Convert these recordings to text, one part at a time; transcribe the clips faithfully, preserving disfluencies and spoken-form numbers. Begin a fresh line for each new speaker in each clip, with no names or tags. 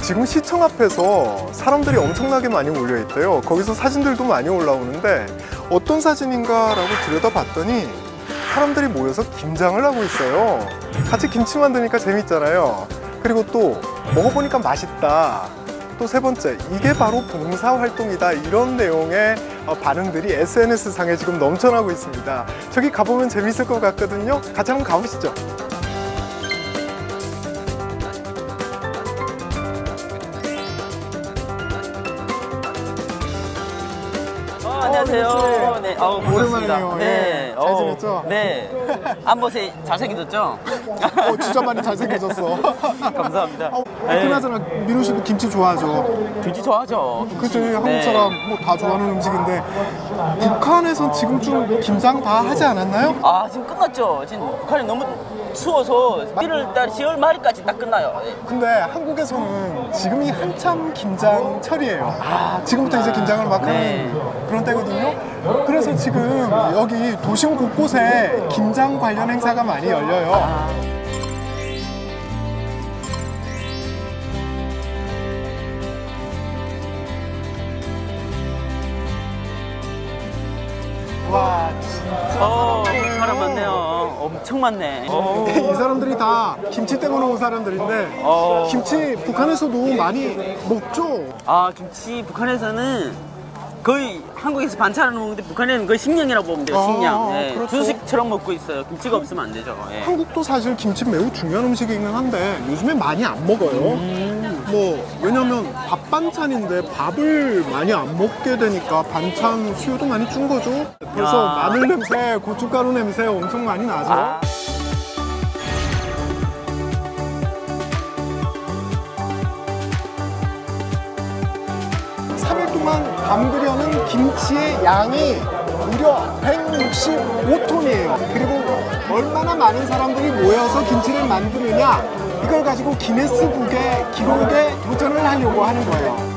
지금 시청 앞에서 사람들이 엄청나게 많이 몰려 있대요. 거기서 사진들도 많이 올라오는데 어떤 사진인가 라고 들여다봤더니 사람들이 모여서 김장을 하고 있어요. 같이 김치 만드니까 재밌잖아요. 그리고 또 먹어보니까 맛있다. 또 세 번째, 이게 바로 봉사활동이다. 이런 내용의 반응들이 에스엔에스 상에 지금 넘쳐나고 있습니다. 저기 가보면 재밌을 것 같거든요. 같이 한번 가보시죠.
안녕하세요. 네, 어,
오랜만이네요.
네,
잘 지냈죠?
네. 안보세 잘생겨졌죠?
어, 진짜 많이 잘생겨졌어.
감사합니다.
어, 그나저나 민우 씨도 김치 좋아하죠?
김치 좋아하죠.
그치, 한국 사람 뭐 다 좋아하는 음식인데 북한에선 지금쯤 김장 다 하지 않았나요?
아, 지금 끝났죠. 지금 북한이 너무 추워서 일월달, 시월 말까지 딱 끝나요. 네.
근데 한국에서는 지금이 한참 김장철이에요. 아, 지금부터 이제 김장을 막 하는
네.
그런 때거든요. 그래서 지금 여기 도심 곳곳에 김장 관련 행사가 많이 열려요.
아.
와, 진짜
어, 사람 많네요. 엄청 많네. 어.
이 사람들이 다 김치 때문에 온 사람들인데
어.
김치 북한에서도 많이 먹죠?
아, 김치 북한에서는 거의 한국에서 반찬을 먹는데 북한에는 거의 식량이라고 보면 돼요. 식량.
아,
예.
그렇죠.
주식처럼 먹고 있어요. 김치가 없으면 안 되죠. 예.
한국도 사실 김치 매우 중요한 음식이긴 한데 요즘에 많이 안 먹어요. 음. 뭐 왜냐면 밥 반찬인데 밥을 많이 안 먹게 되니까 반찬 수요도 많이 준 거죠. 그래서
야.
마늘 냄새, 고춧가루 냄새 엄청 많이 나죠.
아.
삼 일 동안 담그려는 김치의 양이 무려 백육십오 톤이에요. 그리고 얼마나 많은 사람들이 모여서 김치를 만드느냐, 이걸 가지고 기네스북의 기록에 도전을 하려고 하는 거예요.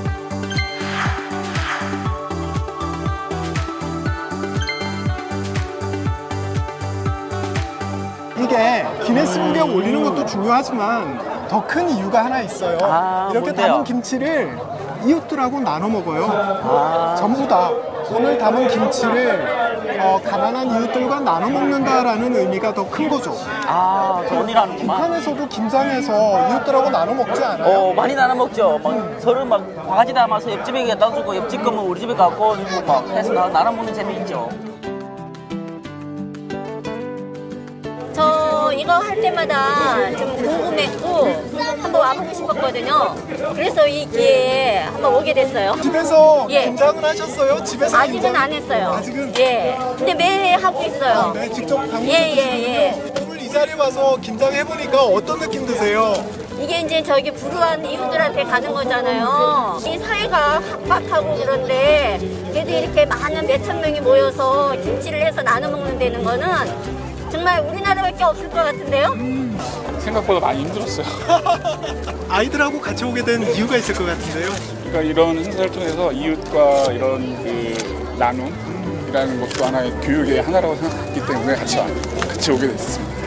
이게 기네스북에 올리는 것도 중요하지만 더 큰 이유가 하나 있어요.
아,
이렇게
뭔데요?
담은 김치를 이웃들하고 나눠 먹어요.
아.
전부 다 오늘 담은 김치를 어, 가난한 이웃들과 나눠 먹는다라는 의미가 더 큰 거죠.
아, 돈이라는구만.
북한에서도 김장해서 이웃들하고 나눠 먹지 않아요?
어, 많이 나눠 먹죠. 막 서로 막 바가지 담아서 옆집에 갖다 주고 옆집 거면 우리 집에 갖고 오고 막 해서 나- 나눠 먹는 재미 있죠.
저 이거 할 때마다 좀 궁금했고 한번 와보고 싶었거든요. 그래서 이 기회에 한번 오게 됐어요.
집에서
예.
김장을 하셨어요? 집에서
아직은
김장?
안 했어요.
아직은?
예. 근데 매해 하고 있어요.
네, 직접 담그셨어요?
예, 예, 예.
오늘 이 자리에 와서 김장해보니까 어떤 느낌 드세요?
이게 이제 저기 불우한 이웃들한테 가는 거잖아요. 이 사회가 각박하고 그런데 그래도 이렇게 많은 몇천 명이 모여서 김치를 해서 나눠 먹는 데는 거는 정말 우리나라밖에 없을 것 같은데요?
생각보다 많이 힘들었어요.
아이들하고 같이 오게 된 이유가 있을 것 같은데요?
그러니까 이런 행사를 통해서 이웃과 이런 그 나눔이라는 것도 하나의 교육의 하나라고 생각했기 때문에 같이, 와- 같이 오게 됐습니다.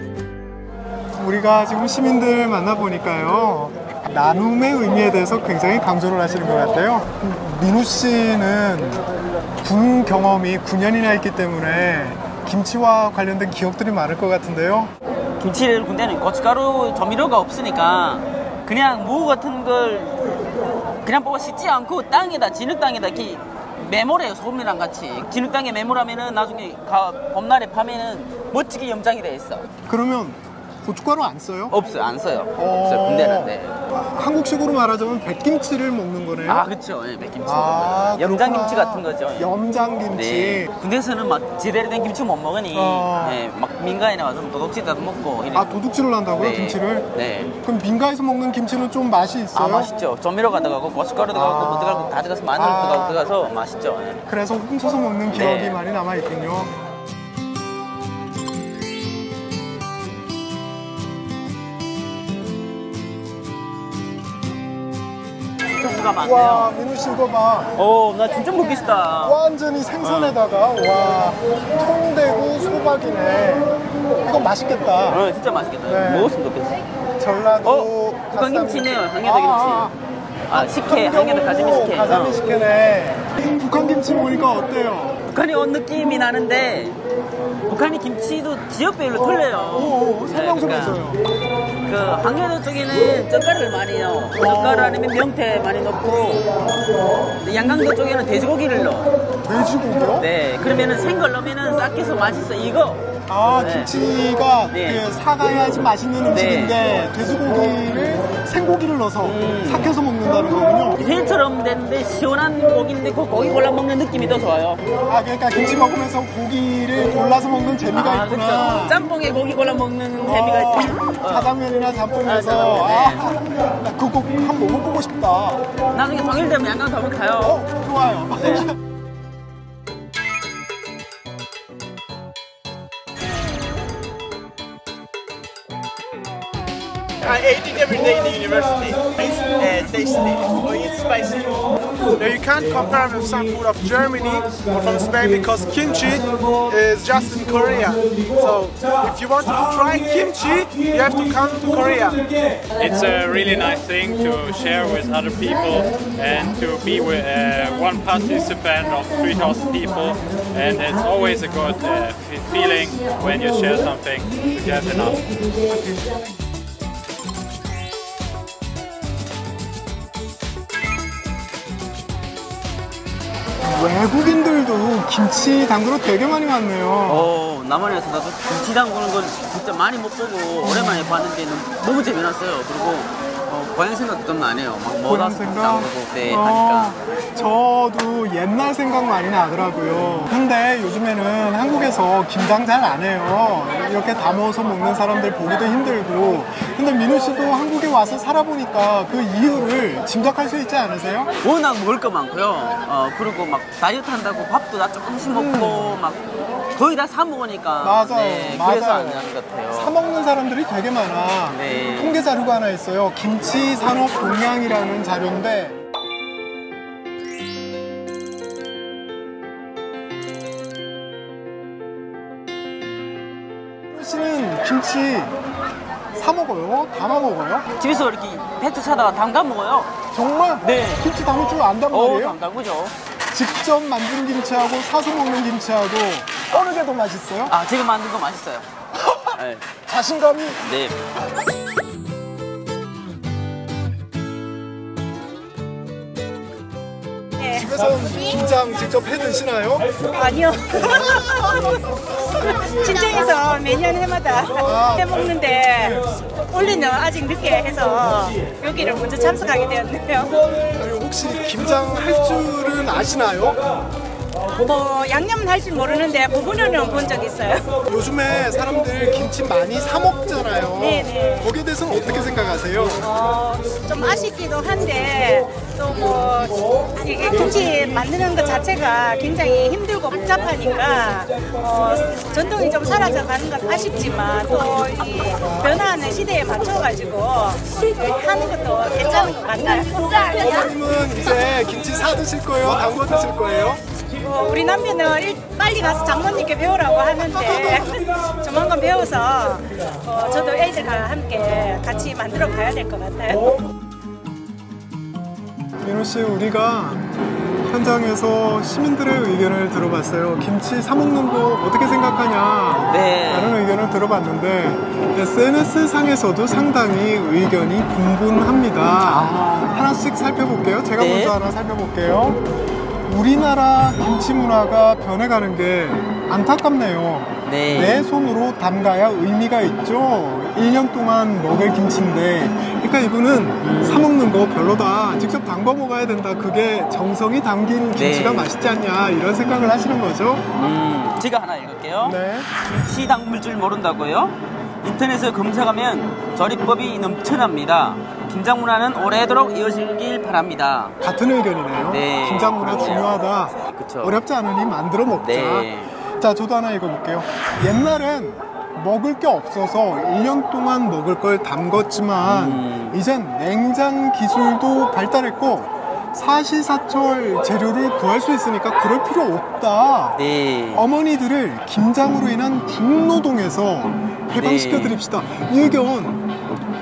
우리가 지금 시민들 만나보니까요, 나눔의 의미에 대해서 굉장히 강조를 하시는 것 같아요. 민우 씨는 군 경험이 구 년이나 있기 때문에 김치와 관련된 기억들이 많을 것 같은데요.
김치를 군대는 고춧가루 조미료가 없으니까 그냥 무 같은 걸 그냥 뽑아 씻지 않고 땅에다 진흙 땅에다 이렇게 매몰해요. 소금이랑 같이 진흙 땅에 매몰하면은 나중에 가, 봄날에 파면은 멋지게 염장이 돼 있어.
그러면 고춧가루 안 써요?
없어요. 안 써요.
어.
없어요. 군대는. 네.
한국식으로 말하자면 백김치를 먹는 거네요.
아, 그렇죠. 예, 백김치.
아,
염장김치
그렇구나.
같은 거죠. 예.
염장김치.
네. 군대에서는 막 제대로 된 김치 못 먹으니
어.
예, 막 민가에 나와서 도둑질도 먹고 이래.
아, 도둑질을 한다고요,
네.
김치를?
네.
그럼 민가에서 먹는 김치는 좀 맛이 있어요?
아, 맛있죠. 조미료가 들어가고 고춧가루 들어가고
아.
뭐 들어가고 다 들어가서 마늘
아.
들어가고 들어가서 맛있죠. 예.
그래서 훔쳐서 먹는 기억이
네.
많이 남아있군요.
종류가
와,
많네요.
민우 씨 이거 봐.
오, 나 진짜 먹기 싫다.
완전히 생선에다가 와, 통대구 소박이네. 이거 맛있겠다.
어, 진짜 맛있겠다.
네.
먹었으면 좋겠어.
전라도
어? 북한 김치네요. 항해도 김치. 아, 식혜, 항해도 가자미 식혜.
가자미
어.
식혜네. 북한 김치 보니까 어때요?
북한이 온 느낌이 나는데 북한이 김치도 지역별로 틀려요.
오, 설명 좀
네,
해줘요.
그 항해도 쪽에는 젓갈을 많이 넣어. 젓갈 아니면 명태 많이 넣고 양강도 쪽에는 돼지고기를 넣어.
돼지고기요?
네, 그러면은 생걸 넣으면은 싹해서 맛있어. 이거.
아,
네.
김치가
네.
그 사가야지 맛있는 음식인데 돼지고기를 생고기를 넣어서
음.
삭혀서 먹는다는 거군요.
회처럼 됐는데 시원한 고기인데 그 고기 골라 먹는 느낌이 더 좋아요.
아, 그러니까 김치 먹으면서 고기를 골라서 먹는 재미가
아,
있구나.
그렇죠. 짬뽕에 고기 골라 먹는 재미가
어,
있지. 어.
짜장면이나
아,
짬뽕에서
짜장면, 네.
아, 나 그거 한번 먹어보고 싶다.
나중에 통일되면 양강 더 한번 가요.
어, 좋아요.
네.
I ate it every day in the university. It's uh, tasty, or it's spicy. Now you can't compare with some food of Germany or from Spain because kimchi is just in Korea. So if you want to try kimchi, you have to come to Korea.
It's a really nice thing to share with other people and to be with uh, one participant of three thousand people, and it's always a good uh, f- feeling when you share something together enough.
외국인들도 김치 담그러 되게 많이 왔네요.
어, 남한에서 나도 김치 담그는 걸 진짜 많이 못 보고 오랜만에 봤는데 너무 재미났어요. 그리고 어, 고향 생각도 좀 나네요. 막
고향
뭐다
생각?
담그고 네,
어,
하니까.
저도 옛날 생각 많이 나더라고요. 근데 요즘에는 한국에서 김장 잘 안 해요. 이렇게 담아서 먹는 사람들 보기도 힘들고. 근데 민우 씨도 한국에 와서 살아보니까 그 이유를 짐작할 수 있지 않으세요?
워낙 먹을 거 많고요. 어, 그리고 막 다이어트 한다고 밥도 다 조금씩 먹고 막 거의 다 사 먹으니까.
음. 맞아요.
네,
맞아요.
그래서 안 하는 것 같아요.
사 먹는 사람들이 되게 많아.
네.
통계 자료가 하나 있어요. 김치 산업 동향이라는 자료인데 민우 씨는 김치 사 먹어요? 담아 먹어요?
집에서 이렇게 배추 사다가 담가 먹어요.
정말?
네.
김치 담을 줄 안단
어,
말이에요?
담 담그죠.
직접 만든 김치하고 사서 먹는 김치하고 어느 게 더 맛있어요?
아, 제가 만든 거 맛있어요. 네.
자신감이
네.
집에서 김장 직접 해 드시나요?
아니요. 친정에서 매년 해마다 해 먹는데 올해는 아직 늦게 해서 여기를 먼저 참석하게 되었네요.
아니, 혹시 김장 할 줄은 아시나요?
뭐 양념은 할 줄 모르는데 부분으로는 본 적 있어요.
요즘에 사람들 김치 많이 사 먹잖아요.
네네.
거기에 대해서는 어떻게 생각하세요?
어, 좀 아쉽기도 한데 또 뭐 이게 김치 만드는 것 자체가 굉장히 힘들고 복잡하니까 어, 전통이 좀 사라져 가는 건 아쉽지만 또 이 변화하는 시대에 맞춰가지고 하는 것도 괜찮은 것 같아요.
어머님은 이제 김치 사 드실 거예요? 담궈 드실 거예요?
어, 우리 남편은 일, 빨리 가서 장모님께 배우라고 하는데 조만간 배워서 어, 저도 애들과 함께 같이 만들어 가야 될 것 같아요.
민우 씨, 우리가 현장에서 시민들의 의견을 들어봤어요. 김치 사 먹는 거 어떻게 생각하냐?
네.
라는 의견을 들어봤는데 에스엔에스 상에서도 상당히 의견이 분분합니다. 하나씩 살펴볼게요. 제가
네.
먼저 하나 살펴볼게요. 우리나라 김치 문화가 변해가는 게 안타깝네요.
네.
내 손으로 담가야 의미가 있죠. 일 년 동안 먹을 김치인데, 그러니까 이분은 사 먹는 거 별로다. 직접 담궈 먹어야 된다. 그게 정성이 담긴 김치가
네.
맛있지 않냐 이런 생각을 하시는 거죠.
음, 제가 하나 읽을게요.
네.
김치 담글 줄 모른다고요? 인터넷에 검색하면 조리법이 넘쳐납니다. 김장 문화는 오래도록 이어지길 바랍니다.
같은 의견이네요.
네,
김장 문화
그렇네요.
중요하다.
그쵸.
어렵지 않으니 만들어 먹자.
네.
자, 저도 하나 읽어볼게요. 옛날엔 먹을 게 없어서 일 년 동안 먹을 걸 담궜지만
음.
이젠 냉장 기술도 발달했고 사시사철 재료를 구할 수 있으니까 그럴 필요 없다.
네.
어머니들을 김장으로 인한 중노동에서 해방시켜
네.
드립시다. 이 의견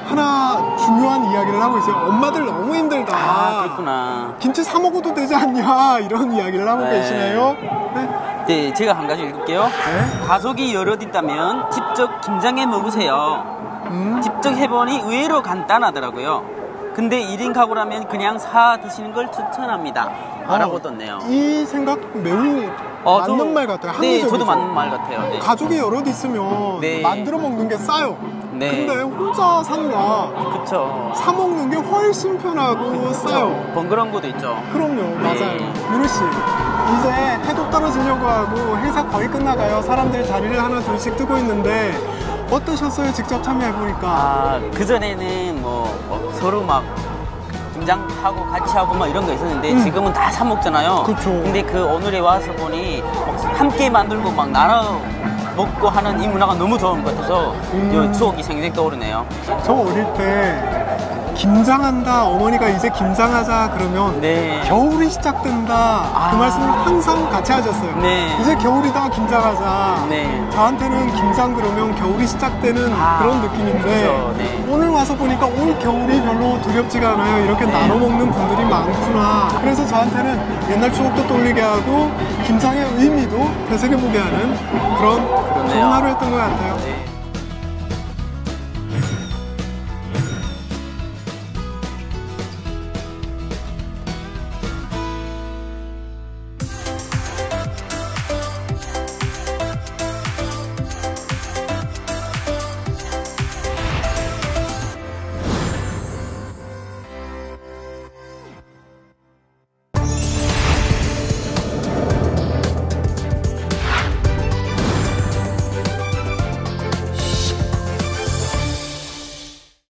하나 중요한 이야기를 하고 있어요. 엄마들 너무 힘들다.
아, 그렇구나.
김치 사 먹어도 되지 않냐 이런 이야기를 하고
네.
계시네요. 네.
네, 제가 한 가지 읽을게요.
네.
가족이 여럿 있다면 직접 김장해 먹으세요.
음.
직접 해보니 의외로 간단하더라고요. 근데 일 인 가구라면 그냥 사 드시는 걸 추천합니다. 라고 떴네요.
이 생각 매우
어,
맞는
저-
말 같아요.
네,
합리적이죠.
저도 맞는 말 같아요. 네.
가족이 여럿 있으면
네.
만들어 먹는 게 싸요.
네.
근데 혼자 산다.
그쵸.
사 먹는 게 훨씬 편하고 싸요.
번거로운 것도 있죠.
그럼요,
네.
맞아요. 유루 씨, 이제 해도 떨어지려고 하고 행사 거의 끝나가요. 사람들 자리를 하나 둘씩 뜨고 있는데 어떠셨어요? 직접 참여해 보니까.
아, 그전에는 뭐, 뭐 서로 막 김장하고 같이 하고 막 이런 거 있었는데
음.
지금은 다 사 먹잖아요.
그쵸.
근데 그 오늘에 와서 보니 막 함께 만들고 막 나눠 먹고 하는 이 문화가 너무 좋은 것 같아서
음.
이 추억이 생생 떠오르네요.
저 어릴 때 김장한다, 어머니가 이제 김장하자 그러면
네.
겨울이 시작된다
아.
그 말씀을 항상 같이 하셨어요.
네.
이제 겨울이다, 김장하자.
네.
저한테는 김장 그러면 겨울이 시작되는
아,
그런 느낌인데
그쵸, 네.
오늘 와서 보니까 올 겨울이 별로 두렵지가 않아요. 이렇게 나눠 먹는 분들이 많구나. 그래서 저한테는 옛날 추억도 떠올리게 하고 김장의 의미도 되새겨보게 하는 그런 좋은
그렇네요.
하루였던 것 같아요.
네.